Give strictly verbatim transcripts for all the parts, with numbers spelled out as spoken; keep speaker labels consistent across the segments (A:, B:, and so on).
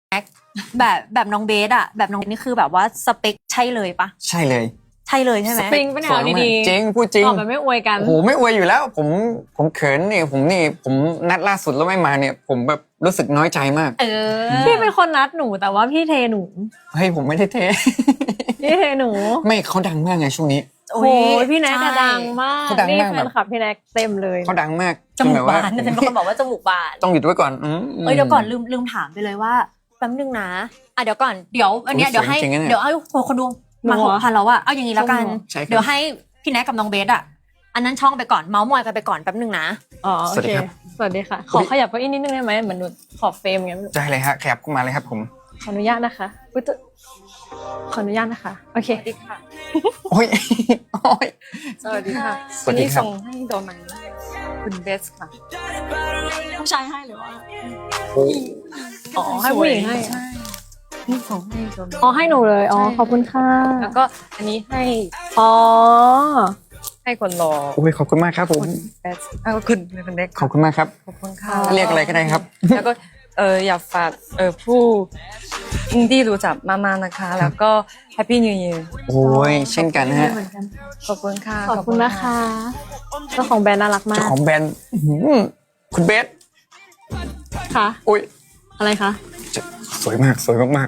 A: แบบแบบน้องเบสอะแบบน้องเบสนี่คือแบบว่าสเปคใช่เลยปะ
B: ใช่เลย
A: ใช่เลยใช่ไหม
C: จริงปะเนี่ยเอาดีๆ
B: จริงพูดจริง
C: ตอบแบบไม่อวยกัน
B: โอ้โหไม่อวยอยู่แล้ว ผมผมเขินนี่ผมนี่ผมนัดล่าสุดแล้วไม่มาเนี่ย ผมแบบรู้สึกน้อยใจมาก
A: เออ
C: พี่เป็นคนนัดหนูแต่ว่าพี่เทหนู
B: เฮ้ยผมไม่ได้เท
C: พี่เทหนู
B: ไม่เขาดังมากไงช่วงนี้
C: โอ้ยพี่แน็กอะดังมาก
B: เขาดัง
C: นี่
B: มาก
C: แฟ
B: แบบ
C: นคลับพี่แน็กเต็มเลย
B: เขาดังมาก
A: จมูก
B: แบบ
A: บานเป็นคนบอกว่าจมูกบาน
B: ต้องหยุดไว้ก่อนอืม
A: เอ้ยเดี๋ยวก่อนลืมลืมถามไปเลยว่าแป๊บนึงนะอ่ะเดี๋ยวก่อนเดี๋ยวอันเนี้ย
B: อุ๊ย
A: เดี๋ยวให้
B: สวยจริงๆนะเนี่ย
A: เดี๋ยวให้คนดูมาหกพันแล้วอะเอาอย่างนี้แล้วกัน
B: ใช่ครับ
A: เดี๋ยวให้พี่แน็กกับน้องเบสอะอันนั้นช่องไปก่อนเมาส์มอยกันไปก่อนแป๊บนึงนะ
C: อ๋อโอ
B: สวัสดี
C: เค
B: ครับ
C: สวัสดีค่ะ ขอขยับเก้าอี้นิดนึงได้ไหมเหมือนหนูขอบเฟรมอย่างเงี้ย
B: ได้เลยฮะขยับเข้ามาเลยครับผม
C: ขออนุญาตนะคะอุ๊ยจะขออนุญาตนะคะโอเค
A: สวัสดีค่ะ
B: โอ้ย โอ้ย
D: สวัสดีค่ะ
B: สวัสดีครับ
D: นนี้ส่งให้โดนไหมคุณเบสค่ะผู้ชายให้หรือว่า
C: อ๋อให้ผู้หญิงให้
D: ใช่นี่ส่งให้โดนไหม
C: อ๋อให้หนูเลยอ๋อขอบคุณค่ะ
D: แล้วก็อันนี้ให้
C: อ๋อ
D: ให้คนรอ
B: โอ้ยขอบคุณมากครับผม
D: เบสแล้วก็คุณคุณเด็ก
B: ขอบคุณมากครับ
D: ขอบคุณค่ะ
B: เรียกอะไรก็ได้ครับ
D: แล้วก็เอออยากฝากเออผู้ที่รู้จักมากๆนะคะ แล้วก็ Happy New Year
B: โอ้ยเช่นกันฮะ
D: ขอบคุณค่ะ
C: ขอบคุณนะคะเจ้าของแบรนด์น่ารักมา
B: เจ้าก ของแบรนด์อื้อหือคุณเบส
C: ค่ะ
B: อุ้ย
C: อะไรคะ
B: สวยมากสวยมาก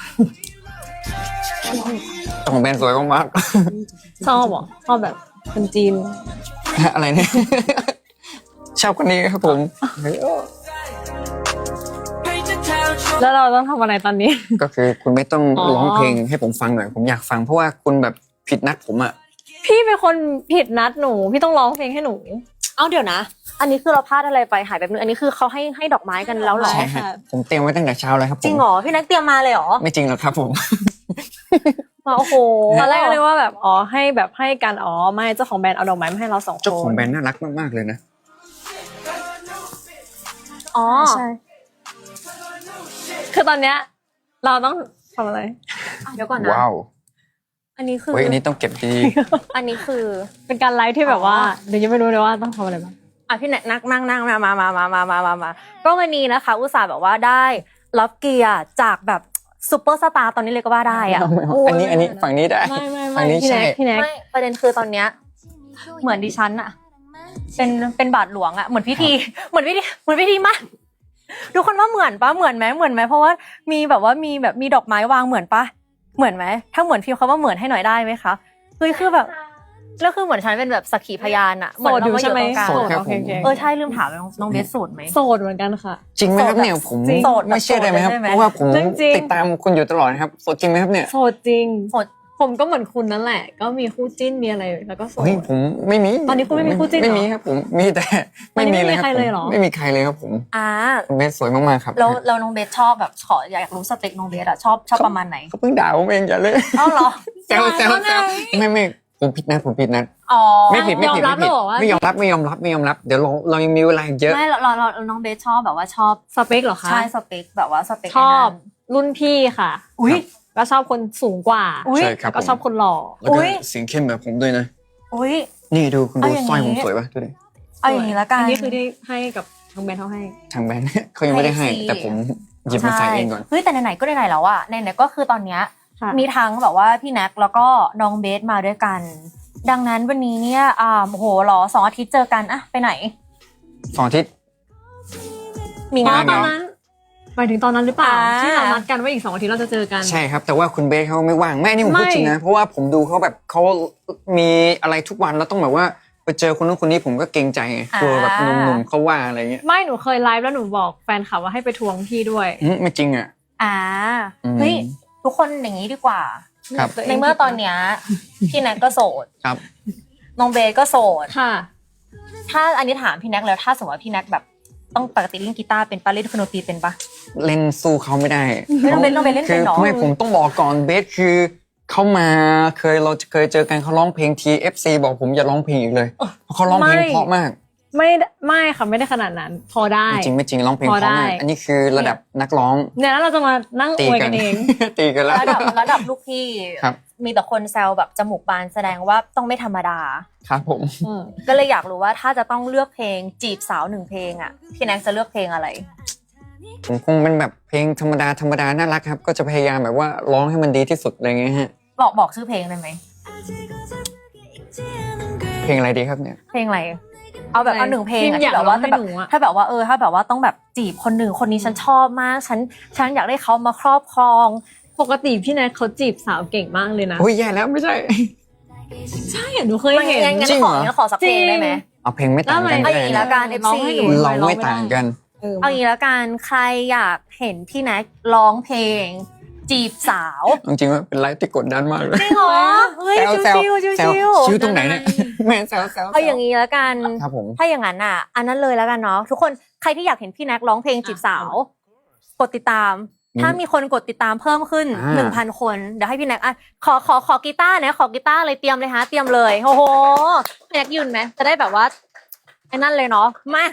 B: ๆเจ้าของแบรนด์สวยมาก
C: ชอบเหรอชอบแบบคนจีน
B: ๆ อะไรเนี่ย ชอบคนนี้ครับผม
C: แล้วเราต้องทำอะไรตอนนี้
B: ก็คือคุณไม่ต้อง
C: อ๋อ
B: ร้องเพลงให้ผมฟังหน่อยผมอยากฟังเพราะว่าคุณแบบผิดนัดผมอะ
C: พี่เป็นคนผิดนัดหนู พี่ต้องร้องเพลงให้หนู
A: เอาเดี๋ยวนะ อันนี้คือเราพลาดอะไรไปหายไปนึงอันนี้คือเขาให้ให้ดอกไม้กันแล้วเหรอ
B: ใช่ฮะผมเตรียมไว้ตั้งแต่เช้าแล้วครับผม
A: จริงเหรอพี่แน็กเตรียมมาเลยเหรอ
B: ไม่จริงหรอกครับผม
A: มาโอ้โห
C: ตอนแรกก็เลยว่าแบบอ๋อให้แบบให้กันอ๋อไม่เจ้าของแบรนด์เอาดอกไม้มาให้เราสองคน
B: เจ้าของแบรนด์น่ารักมากๆเลยนะ
A: อ๋อ
C: ใช่คือตอนเนี้ยเราต้องทำอะไร
A: เดี๋ยวก่อนนะ
B: ว้าว
A: อันนี้คือ
B: เฮ้ยอันนี้ต้องเก็บดี
A: อันนี้คือ
C: เป็นการไลฟ์ที่แบบว่าเดี๋ยวยังไม่รู้เลยว่าต้องทำอะไรบ้าง
A: อ่ะพี่แน็กนั่งนั่งนั่งมามามามามามามามาก็วันนี้นะคะ อุตส่าห์แบบว่าได้รับเกียรติจากแบบซูเปอร์สตาร์ตอนนี้เลยก็ว่าได้อะ
B: อันนี้อันนี้ฝั่งนี้ได้
C: ไม่ไม่
B: ฝั่
C: ไม่
B: งนี้
C: พี่
B: ใช่
C: แน็กพี่แน็ก
A: ไม่ประเด็นคือตอนเนี้ยเหมือนดิฉันอะเป็นเป็นบาทหลวงอะเหมือนพิธีเหมือนพิธีเหมือนพิธีมากทุกคนว่าเหมือนปะเหมือนไหมเหมือนไหมเพราะว่ามีแบบว่ามีแบบมีดอกไม้วางเหมือนปะเหมือนไหมถ้าเหมือนพิมพ์คำว่าเหมือนให้หน่อยได้ไหมคะคือคือแบบแล้วคือเหมือนฉันเป็นแบบสักขีพยานอะเหมือนเรามาอยู่ตรงกลาง
B: โสดครับ
C: โอเคโอเค
A: เออใช่ลืมถามน้องน้องเบสโสดไหม
C: โสดเหมือนกันค่ะ
B: จริงไหมครับเนี่ยผม
A: จริงโสดแบบ
B: ไม่เชื่อได้ไหมครับ
A: โสดเลยใช่ไหม
B: เพราะว่าผม
C: จริงๆ
B: ติดตามคุณอยู่ตลอดนะครับโสดจริงไหมครับเนี่ย
C: โสดจริง
A: โสด
C: ผมก็เหมือนคุณนั่นแหละ ก็มีคู่จิ้นมีอะไรแล้วก็โสด
B: เฮ้ยผมไม่มี
C: ตอนนี้คุณไม่มีคู่จิ้นเหรอ
B: ไม่มีครับผมมีแต่
C: ตอนนี้
B: ไม่มีเลย
C: ไม่มีใครเลยเหรอ
B: ไม่มีใครเลยครับผม
A: อ่า
B: คุณเบสสวยมากๆครับ
A: แล้วแล้วน้องเบสชอบแบบขออยากรู้สเปคน้องเบสอะชอบชอบประมาณไหน
B: เขาเพิ่งด่าผมเองอย่าเลย
A: เอ้าเหรอ
B: แซวแซวแซวไม่ไม่ผมผิดนะผมผิดนะ
A: อ๋อ
B: ไม่ผิดไม่ผิด
C: ยอมรับ
B: ไม่ผิด
C: แล้วเหรอว่า
B: ไม่ยอมรับไม่ยอมรับไม่ยอมรับเดี๋ยวเราเรายังมีเวลาอีกเยอะ
A: ไม่เราเราเราน้องเบสชอบแบบว่าชอบ
C: สเปคเหรอคะ
A: ใช่สเปคแบบว่าสเปค
C: ชอบ
A: ไนั้น
C: รุ่นพี่ค่ะ
A: อุ้ย
C: ก็ชอบคนสูงกว่า
A: อุ๊ย
B: ใช่ครับ
C: แล้วก็ชอบคนหล่อ
B: แล้วก็
A: อุ๊ย
B: เสียงเข้มแบบผมด้วยนะ
A: อุ้ย
B: นี่ดูคุณดู
A: เอาอย่างนี้
B: สร้อยผมสวยป่ะดูดิ
A: เอาอย่างนี้ละกัน
C: อันนี้คือที่ให้กับทางแบรนด์เขาให้
B: ทางแบรนด์ เขายังไม่ได้ให้
A: ให้สิ
B: แต่ผมหยิบมาใส่เองก่อน
A: เฮ้ยแต่ไหนๆก็ไหนๆแล้วอะไหนๆก็คือตอนเนี้ย
C: ค่ะ
A: มีทั้งแบบว่าพี่แน็กแล้วก็น้องเบสมาด้วยกัน ดังนั้นวันนี้เนี่ยอ่าโอ้โหเหรอสองอาทิตย์เจอกันอะไปไหน
B: สองอาทิตย์
A: มี
C: อ๋อง
A: าน
C: ตอน
A: เหรอ
C: นั้นหมายถึงตอนนั้นหรือเปล่า
A: อ่า
C: ที่เรานัดกันว่าอีกสองอาทิตย์เราจะเจอกัน
B: ใช่ครับ แต่ว่าคุณเบสเขาไม่ว่างแม่นี่ผมพูด
C: ไม่
B: จริงนะ เพราะว่าผมดูเขาแบบเขามีอะไรทุกวันแล้วต้องแบบว่าไปเจอคนนู้นคนนี้ผมก็เกรงใจไงกลัวแบบหนุ่มๆเขาว่าอะไรเงี้ย
C: ไม่หนูเคยไลฟ์แล้วหนูบอกแฟนคลับว่าให้ไปทวงพี่ด้วย
B: อืมไม่จริงอ่ะ
A: อ่า
B: อืม
A: เฮ้ยทุกคนอย่างนี้ดีกว่า
B: ครับ
A: ในเมื่อตอนเนี้ยพี่แน็กก็โสด
B: ครับ
A: น้องเบสก็โสด
C: ค่ะ
A: ถ้าอันนี้ถามพี่แน็กแล้วถ้าสมมติว่าพี่แน็กแบบต้องปกติเล่นกีตาร์เป็นปะเล่นดนตรีเป็นปะ
B: เล่นสู้เขาไม่ได้
A: ไม่ต้องเล่นต้องไปเล่น
B: คื
A: เป็น
B: อ
A: เนาะ
B: ไม่ผมต้องบอกก่อนเบสคือเขามาเคยเราเคยเจอกันเขาร้องเพลงที เอฟ ซี บอกผมอย่าร้องเพลงอีกเลยเพราะเขาร้องเพลง
C: ไม่
B: เพราะมาก
C: ไม่ไม่ค่ะไม่ได้ขนาดนั้น พอได้
B: ไม่จริงไม่จริงร้องเพลง
C: พ
B: เพ
C: อ
B: ราะ
C: ได้
B: มากอันนี้คือระดับนักร้อง
C: เนี่ยแล้วเราจะมานั่งอ
B: ตี
C: วย
B: กั
C: กัน นเอง
B: ตีกันแล้ว
A: ระดับระดับลูกพี่
B: ครับ
A: มีแต่คนแซวแบบจมูกบานแสดงว่าต้องไม่ธรรมดา
B: ครับผม
C: อืม
A: ก็เลยอยากรู้ว่าถ้าจะต้องเลือกเพลงจีบสาวหนึ่งเพลงอ่ะพี่แน็กจะเลือกเพลงอะไร
B: ผมคงเป็นแบบเพลงธรรมดาธรรมดาน่ารักครับ ก็จะพยายามแบบว่าร้องให้มันดีที่สุดอะไรเงี้ยฮะ
A: บอกบอกชื่อเพลงได้ไหม
B: เพลงอะไรดีครับเนี่ย
A: เพลงอะไร เอาแบบเอาหนึ่งเพลงอะ
C: อยา
A: ที่
C: ก
A: แบบว่า
C: ร้องให้
A: แบบ
C: หนูอะ
A: ถ้าแบบว่าเออถ้าแบบว่าต้องแบบจีบคนหนึ่งคนนี้ฉันชอบมากฉันฉันอยากได้เขามาครอบครอง
C: ปกติพี่แนทเขาจีบสาวเก่งมากเลยนะ
B: โอ้ยแย่แล้วไม่ใช่
C: ใช่หนูเคยเห็น
A: งั้นงั้น
B: จริง
A: ข
B: เหร
A: อ
B: อ
A: งั้นขอสักเพลงได้ไหม
B: เอาเพลงไม่ต่างกัน
A: เอา
B: ก็
A: อย่าง
B: ได้
A: นี้
B: นะ
A: ละกัน
C: ร้อง
A: เอฟ ซี
C: ให้หนู
B: เราไม่ต่างกัน
C: เออ
A: เอาอย่างนี้ละกันใครอยากเห็นพี่แน็กร้องเพลง จีบสาว
B: จริงๆว่าเป็นไลฟ์ที่กดดันมากเลย
A: จริงเหรอเฮ้ย
B: แซว
A: ชิว
B: แซว
A: ชิว
B: แซ
A: ชิ
B: ว
A: ว
B: ชิวตรงไหนเนี่ยแม่แซวแซว
A: เอาอย่างนี้ละกัน
B: ครับผม
A: ถ้าอย่างนั้นอ่ะ อันนั้นเลยแล้วกันเนาะทุกคนใครที่อยากเห็นพี่แน็กร้องเพลงจีบสาว กดติดตาม ถ้ามีคนกดติดตามเพิ่มขึ้น
B: อ่า
A: หนึ่งพันคนเดี๋ยวให้พี่แน็กอ่ะขอขอขอกีตาร์นะขอกีตาร์เลยเตรียมเลยฮะเตรียมเลยโอ้โหพี่แน็กยืนไหมจะได้แบบว่าไอ้นั่นเลยเนาะมา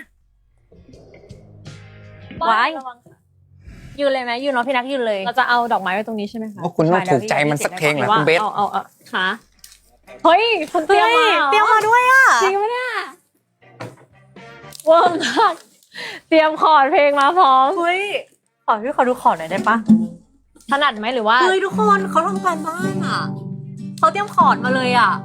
A: ไว้ยืนเลยไหมยืนเนาะพี่แน็กยืนเลย
C: เราจะเอาดอกไม้ไว้ตรงนี้ใช่ไหมคะ
B: ว่าคุณต้องถูกใจมันสักเพลงเหรอคุณเบส
C: เอาเอาเอาขาเฮ้ยคุณเตรี
A: เฮ้
C: ยม
A: ย
C: มาหรอ
A: เตรียมมาด้วยอ่ะ
C: จริงไหมเนี่ยเวอร์มากเตรียมคอร์ดเพลงมาพร้อม
A: เฮ้ยขอพี่ขอดูขอหน่อยได้ปะ
C: ถนัดไหมหรือว่า
A: เฮ้ยทุกคนเขาทำการบ้านอ่ะเขาเตรียมคอร์ดมาเลยอ่ะ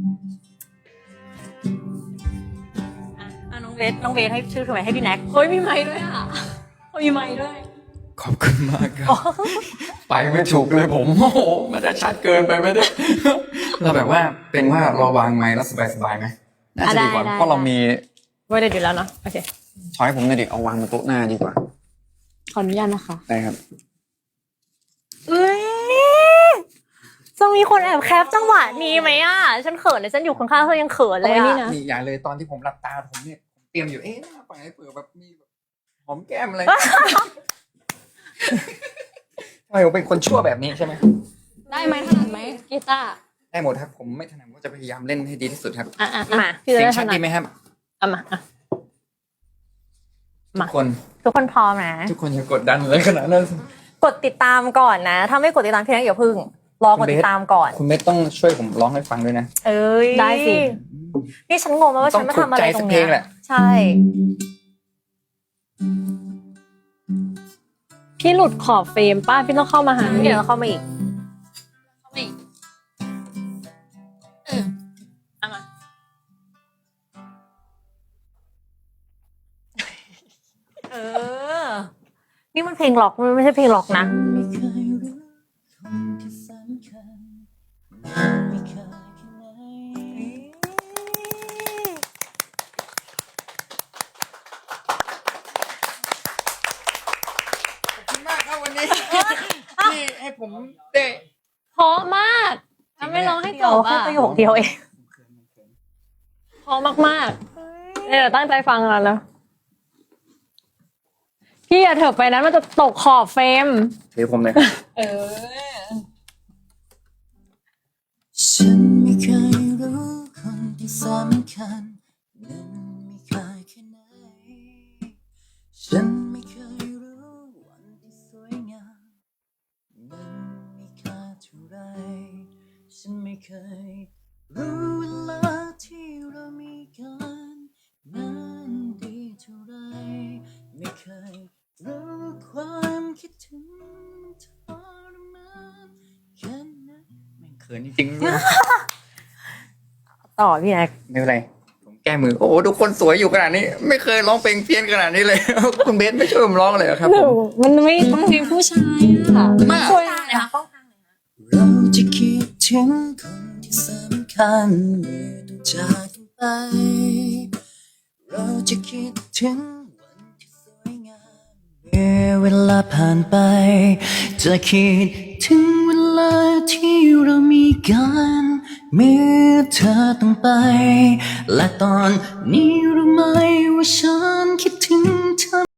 A: อ่ะอ่ะน้องเวทน้องเวทให้ชื่อถูกไหมให้พี่แน็ก
C: เฮ้ยมีไม้ด้วยอ่ะมีไม้ด้วย
B: ขอบคุณมากครับ ไปไม่ถูกเลยผมโอ้โหมันจะชัดเกินไปไม่ได้ เราแบบว่าเป็นว่าเราวางไม้แล้วสบายๆไหมน่าจะดีกว่าเพราะเรามี
C: ไว้เดี๋ยวอยู่แล้วเนาะโอเค
B: ช้อยผมหน่อยดิเอาวางบนโต๊ะหน้าดีกว่า
C: ขออนุญาตนะคะ
B: ได้ครับ
A: เอ้ยจะมีคนแอบแคปจังหวะนี้ไหมอ่ะฉันเขินเลยฉันอยู่ข้างๆเธอยังเขินเลย
C: เอาไว้นี่
A: อ่ะ
C: นะ
B: นี่อย่าเลยตอนที่ผมหลับตาผมเนี่ยผมเตรียมอยู่เอ๊ะหน้าไปเผื่อแบบมีแบบหอมแก้มอะไร ทำไมผมเป็นคนชั่วแบบนี้ใช่ไหม
C: ได้ไหมถนัดไหมกีตาร์
B: ได้หมดครับผมไม่ถนัดก็จะพยายามเล่นให้ดีที่สุดครับ
C: อ่ะอ่ะ
A: มา
C: พี่จะ
B: เสีย
C: ได้
B: ง
C: ถ
B: ชัด
C: นัด
B: ดีไหมครับ
C: เอามาอ่ะ
B: ทุกคน
A: ทุกคนพร้อมนะ
B: ทุกคนอย่ากดดันเลยขนาดนั้น
A: กดติดตามก่อนนะ ถ้าไม่กดติดตามพี่แน็กอย่าพึ่ง รอกดติดตามก่อน
B: คุณเมธต้องช่วยผมร้องให้ฟังด้วยนะ
A: เอ้ย
C: ได้สิ
A: นี่ฉันงงมากว่าฉันมาทำอะไรตรงเนี้
B: ต้องถูกใจสักเพลงแห
A: ย
B: ละ
A: ใช่
C: พี่หลุดขอบเฟรมป้าพี่ต้องเข้ามาหาหนู
A: เดี๋ยวเราเข้ามาอีก
C: เข้ามาอีกเออเอามา
A: เออ นี่มันเพลงล็อกมันไม่ใช่เพลงล็อกนะ
E: ไม่เคยรู้คนที่สำคัญไม่เคยแค่ไหน
B: ขอบคุณมากครับวันนี้ ที่ให้ผมได้
C: เพราะมากถ้าไม่ร้องให้จ
A: เดี๋ยว
C: บ
A: แค่
C: อ่ะ
A: ประโยคเดียวเอง
C: เพราะมากๆเนี่ยเดี๋ยวตั้งใจฟังแล้วนะพี่อย่าเถิบไปนั้นมันจะตกขอบเฟรม
B: ถือผมเลย
C: เออ
E: ฉันไม่เคยรู้คนที่สำคัญนั้นมีค่าแค่ไหนฉันไม่เคยรู้วันที่สวยงามนั้นมีค่าเท่าไรฉันไม่เคยรู้เวลาที่เรามีกันนั้นดีเท่าไรไม่เคยรู้ความคิดถึงมันทรมานแค่ไหน
B: เขินจริงๆ
A: ต่อพี่แน็ก
B: ไม่เป็นไร ผมแก้มือ โอ้โหทุกคนสวยอยู่ขนาดนี้ ไม่เคยร้องเพลงเพี้ยนขนาดนี้เลย คุณเบสไม่ช่วยผมร้องเลยเหรอครับ
C: ห
B: ผ
C: นู
B: ม
C: มันไม่ต้องเพลงผู้ชายอ่ะ
B: มาก
C: ช่วย
A: เลยค่ะ
E: เราจะคิดถึงคนที่สำคัญเมื่อต้องจากกันไป เราจะคิดถึงวันที่สวยงามเมื่อเวลาผ่านไป จะคิดถึงเวลาที่เรามีกันเมื่อเธอต้องไป และตอนนี้รู้ไหมว่าฉันคิดถึงเธอ